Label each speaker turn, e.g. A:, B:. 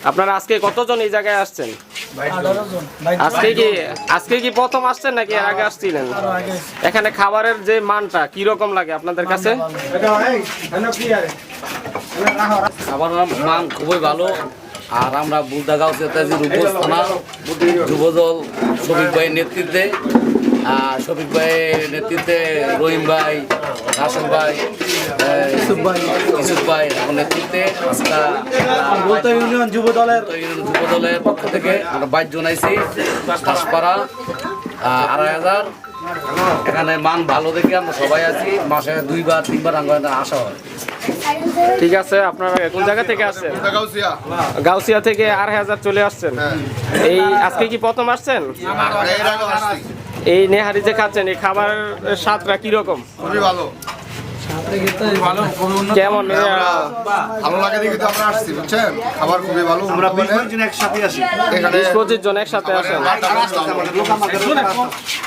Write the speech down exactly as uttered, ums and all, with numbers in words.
A: আপনারা আজকে কতজন এই জায়গায় আসছেন? আজকে কি আজকে কি প্রথম আসছেন নাকি এর আগে আসছিলেন? এখানে খাবারের যে মানটা কি রকম লাগে আপনাদের কাছে?
B: খাবারের মান খুবই ভালো। আর আমরা বুলদাগাঁও তেতাজি রূপগঞ্জ থানা যুবদল শফিক ভাইয়ের নেতৃত্বে শফিক ভাইয়ের নেতৃত্বে রহিম ভাই, রাসেল ভাই, ইউসুফ ভাই ইউসুফ ভাই আমার নেতৃত্বে আজকে ইউনিয়ন যুব দলের যুব দলের পক্ষ থেকে আমরা বাইশ জন আইছি ঘাসপাড়া আড়াই হাজার। এখানে মান ভালো দেখে আমরা সবাই আছি, মাসে দুইবার তিনবার আমরা আসা হয়।
A: ঠিক আছে, আপনারা কোন জায়গা থেকে আসছেন? গাউসিয়া থেকে আড়াই হাজার চলে আসছেন। এই আজকে কি প্রথম আসছেন? এই নেহারি যে খাচ্ছেন এই খাবারের স্বাদটা কিরকম?
C: খুবই ভালো,
A: কেমন?
C: ভালো লাগে দেখে তো আমরা আসছি, বুঝছেন? খাবার খুবই ভালো। আমরা বিশ পঁচিশ জন একসাথে আসি,
A: বিশ পঁচিশ জন একসাথে আসেন।